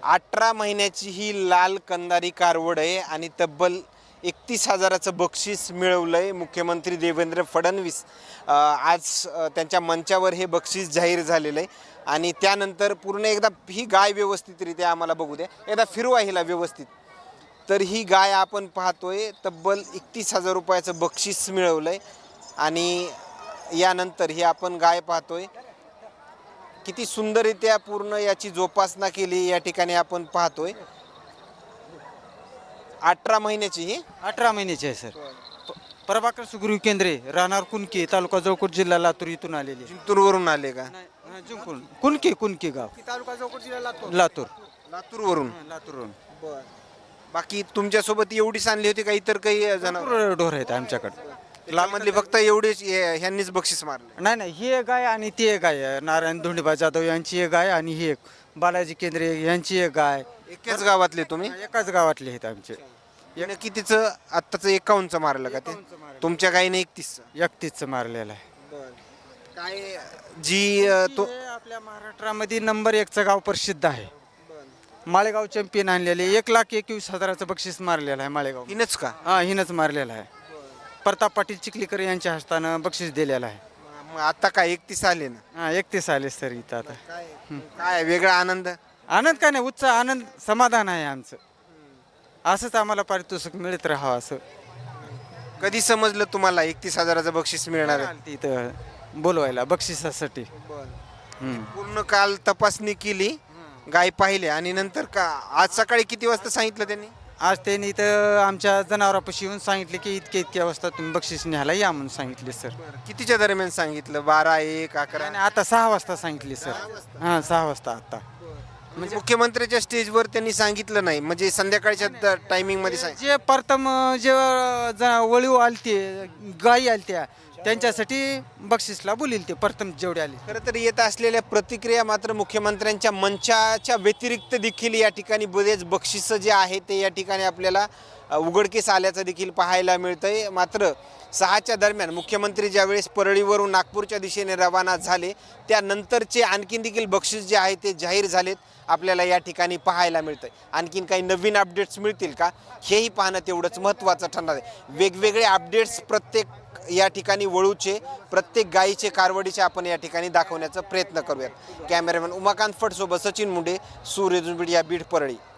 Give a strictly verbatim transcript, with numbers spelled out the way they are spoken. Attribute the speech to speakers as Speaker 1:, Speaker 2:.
Speaker 1: अठरा महिन्याची ही लाल कंदारी कारवड आहे आणि तब्बल एकतीस हजाराचं बक्षीस मिळवलंय मुख्यमंत्री देवेंद्र फडणवीस आज त्यांच्या मंचावर हे बक्षीस जाहीर झालेलं आहे आणि त्यानंतर पूर्ण एकदा ही गाय व्यवस्थितरित्या आम्हाला बघू द्या, एकदा फिरवा हिला व्यवस्थित. तर ही गाय आपण पाहतोय तब्बल एकतीस हजार रुपयाचं बक्षीस मिळवलंय आणि यानंतर ही आपण गाय पाहतोय किती सुंदररित्या पूर्ण याची जोपासना केली या ठिकाणी आपण पाहतोय. अठरा महिन्याची ही
Speaker 2: अठरा महिन्याची आहे सर. प्रभाकर सुग्रीव केंद्रे, राहणार कुणकी, तालुका जळकोट, जिल्हा लातूर इथून आलेली.
Speaker 1: जिंतूरवरून आले का?
Speaker 2: कुणकी कुणकी गाव,
Speaker 1: तालुका जळकोट जिल्हा लातूर.
Speaker 2: लातूर
Speaker 1: लातूरवरून.
Speaker 2: लातूरवरून.
Speaker 1: बर. बाकी तुमच्यासोबत एवढीच आणली होती का इतर काही जनावर?
Speaker 2: ढोर आहेत आमच्याकडे.
Speaker 1: लालमधली फक्त एवढीच ह्यांनीच बक्षीस मारले?
Speaker 2: नाही नाही, ही एक गाय आणि ती एक गाय आहे. नारायण धोंडीबा जाधव यांची एक गाय आणि ही एक बालाजी केंद्रे यांची एक गाय.
Speaker 1: एकाच गावातले तुम्ही?
Speaker 2: एकाच गावातले आहेत आमचे.
Speaker 1: यानं कितीचं आत्ताचं एकावन्नचं मारलं का ते? तुमच्या गायीने एकतीस?
Speaker 2: एकतीसचं मारलेलं आहे.
Speaker 1: काय जी अ, तो
Speaker 2: हे आपल्या महाराष्ट्रामध्ये नंबर एकचं गाव प्रसिद्ध आहे. माळेगाव चॅम्पियन आणलेले एक लाख एकवीस हजाराचं बक्षीस मारलेलं आहे माळेगाव.
Speaker 1: हिनच का?
Speaker 2: हा, हिनंच मारलेलं आहे. प्रताप पाटील चिखलीकर यांच्या हस्तानं बक्षीस दिलेलं आहे.
Speaker 1: मग आता काय एकतीस आले ना?
Speaker 2: हा, एकतीस आले सर इथं आता.
Speaker 1: काय काय वेगळा आनंद?
Speaker 2: आनंद काय नाही, उत्साह, आनंद, समाधान आहे आमचं. असंच आम्हाला पारितोषिक मिळत राहावं असं.
Speaker 1: कधी समजलं तुम्हाला एकतीस हजाराचं बक्षीस मिळणार आहे?
Speaker 2: आलती इथं बोलवायला बक्षिसासाठी. हम्म.
Speaker 1: पूर्ण काल तपासणी केली, गाय पाहिले आणि नंतर का आज सकाळी किती वाजता सांगितलं त्यांनी?
Speaker 2: आज त्यांनी इथं आमच्या जनावरापाशी येऊन सांगितले की इतके इतक्या वाजता तुम्ही बक्षीस न्यायला या म्हणून सांगितले सर.
Speaker 1: कितीच्या दरम्यान सांगितलं? बारा, एक, अकरा?
Speaker 2: आणि आता सहा वाजता सांगितले सर. हां, सहा वाजता आता.
Speaker 1: म्हणजे मुख्यमंत्र्याच्या स्टेजवर त्यांनी सांगितलं नाही, म्हणजे संध्याकाळच्या टायमिंग मध्ये सांग-
Speaker 2: जे प्रथम जे ज- वळीव आलते, गायी आलत्या, त्यांच्यासाठी बक्षीसला बोलील ते प्रथम जेवढे आले.
Speaker 1: खरं तर येत असलेल्या प्रतिक्रिया मात्र मुख्यमंत्र्यांच्या मंचाच्या व्यतिरिक्त देखील या ठिकाणी बरेच बक्षिसं जे आहे ते या ठिकाणी आपल्याला अ, उघडकीस आल्याचं देखील पाहायला मिळतंय. मात्र सहाच्या दरम्यान मुख्यमंत्री ज्यावेळेस परळीवरून नागपूरच्या दिशेने रवाना झाले त्यानंतरचे आणखीन देखील बक्षीस जे आहे ते जाहीर झालेत आपल्याला या ठिकाणी पाहायला मिळतंय. आणखीन काही नवीन अपडेट्स मिळतील का हेही पाहणं तेवढंच महत्त्वाचं ठरणार आहे. वेगवेगळे अपडेट्स प्रत्येक या ठिकाणी वळूचे, प्रत्येक गायीचे, कारवडीचे आपण या ठिकाणी दाखवण्याचा प्रयत्न करूयात. कॅमेरामॅन उमाकांत फडसोबत सचिन मुंडे, सूर्यदुर्बीड या बीड परळी.